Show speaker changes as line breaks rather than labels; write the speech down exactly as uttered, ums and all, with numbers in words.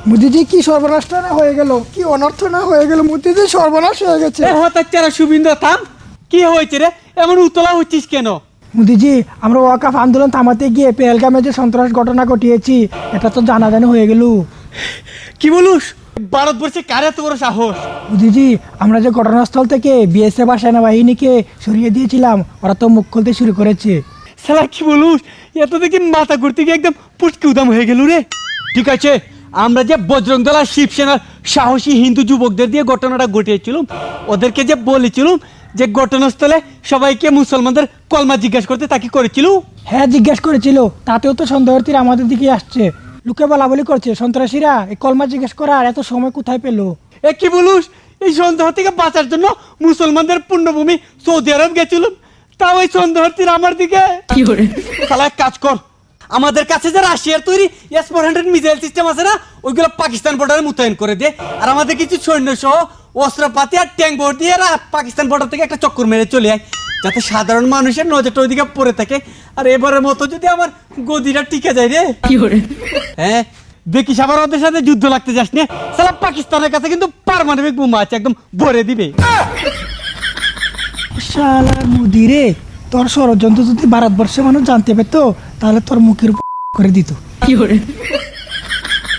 মোদিজি কি সর্বনাশটা না হয়ে গেল, কি অনর্থ না হয়ে গেল, মোদিজি সর্বনাশ হয়ে গেছে।
হঠাৎ চারা শুভিন্দর থাম, কি হয়েছে রে? এমন উতলা হচ্ছিস কেন?
মোদিজি আমরা ওয়াকাফ আন্দোলন থামাতে গিয়ে পেহেলগামে যে সন্ত্রাস ঘটনা ঘটিয়েছি এটা তো জানাজানি হয়ে গেল।
কি বলুস? ভারতবর্ষে কার এত বড় সাহস?
মোদিজি আমরা যে ঘটনাস্থল থেকে বিএসএফ আর সেনাবাহিনীকে সরিয়ে দিয়েছিলাম ওরা তো মুখ খুলতে শুরু করেছে।
শালা কি বলুস? এত দেখি মাথা ঘুরতে গিয়ে একদম পুটকি উদাম হয়ে গেল রে। ঠিক আছে, আমরা যে বজরং দল আর শিবসেনার সাহসী হিন্দু যুবকদের দিয়ে ঘটনাটা ঘটিয়েছিলাম, ওদেরকে যে বলেছিলাম যে ঘটনাস্থলে সবাইকে মুসলমানদের কলমা জিজ্ঞাসা করতে, তা কি করেছিল?
হ্যাঁ জিজ্ঞেস করেছিল, তাতেও তো সন্দেহার্থীরা আমাদের দিকে আসছে, লোকে বলা বলি করছে সন্ত্রাসীরা এই কলমা জিজ্ঞেস করার এত সময় কোথায় পেলো।
এ কি বলুস? এই সন্দেহ থেকে বাঁচার জন্য মুসলমানদের পুণ্যভূমি সৌদি আরব গেছিলাম, তাও ওই সন্দেহার্থীরা আমার দিকে। শালা এক কাজ কর, আমাদের কাছে যে রাশিয়ার তৈরি S four hundred missile system আছে না, ওইগুলো পাকিস্তান বর্ডারে মোতায়েন করে দে। আর আমাদের কিছু সৈন্য সহ অস্ত্রপাতি আর ট্যাঙ্ক বোর্ড দিয়ে এরা পাকিস্তান বর্ডার থেকে একটা চক্কর মেরে চলে আয়, যাতে সাধারণ মানুষের নজরটা ওইদিকে পড়ে থাকে। আর এবারের মতো যদি আমার গদিটা টিকে যায় রে, হ্যাঁ দেখিস আবার ওদের সাথে যুদ্ধ লাগতে যাস না। সালা পাকিস্তানের কাছে কিন্তু পারমাণবিক বোমা আছে, একদম ভরে দিবে।
শালা মোদি রে, তোর ষড়যন্ত্র যদি ভারতবর্ষের মানুষ জানতে পেতো তাহলে তোর মুখের উপর করে দিত।